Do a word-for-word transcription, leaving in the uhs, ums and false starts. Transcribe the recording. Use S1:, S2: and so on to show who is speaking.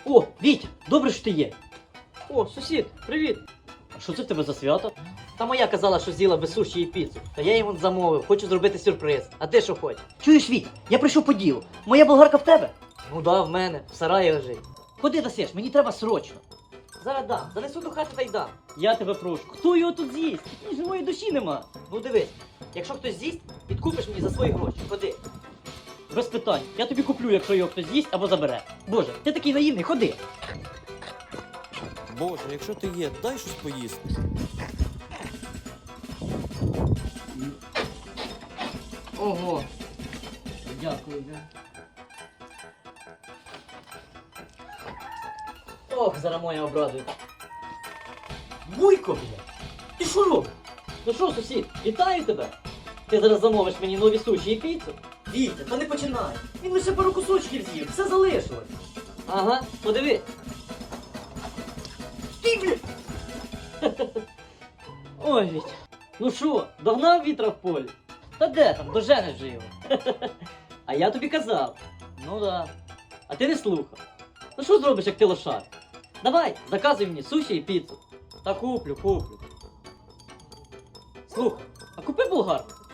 S1: О, Віть, добре, що ти є.
S2: О, сусід, привіт!
S1: А що це в тебе за свято?
S2: Та моя казала, що з'їла без суші і піцу. Та я йому замовив, хочу зробити сюрприз. А ти що хочеш?
S1: Чуєш, Віть, я прийшов по ділу. Моя болгарка в тебе?
S2: Ну да, в мене, в сараї лежить.
S1: Ходи дасиш, мені треба срочно.
S2: Зараз дам, занесу до хати та й дам.
S1: Я тебе прошу. Хто його тут з'їсть? Ні живої душі нема.
S2: Ну дивись, якщо хтось з'їсть, підкупиш мені за свої гроші. Ходи.
S1: Без питань. Я тобі куплю, якщо його хтось з'їсть або забере. Боже, ти такий наївний, ходи.
S3: Боже, якщо ти є, дай щось поїсти.
S1: Ого. Дякую.
S2: Ох, зараз моя обрадує.
S1: Буйко, бля. Ти що робиш?
S2: Ну що, сусід, вітаю тебе. Ти зараз замовиш мені нові суші і піцу?
S1: Вітя, та не починай. Він лише пару кусочків з'їв, все залишилось.
S2: Ага, подиви.
S1: Ти, бля.
S2: Ой, Віть. Ну що, догнав вітра в полі?
S1: Та де там, доженеш же його.
S2: А я тобі казав.
S1: Ну да.
S2: А ти не слухав. Ну що зробиш, як ти лошар? Давай, заказуй мені суші і піцу.
S1: Та куплю, куплю.
S2: Слухай, а купи болгарку.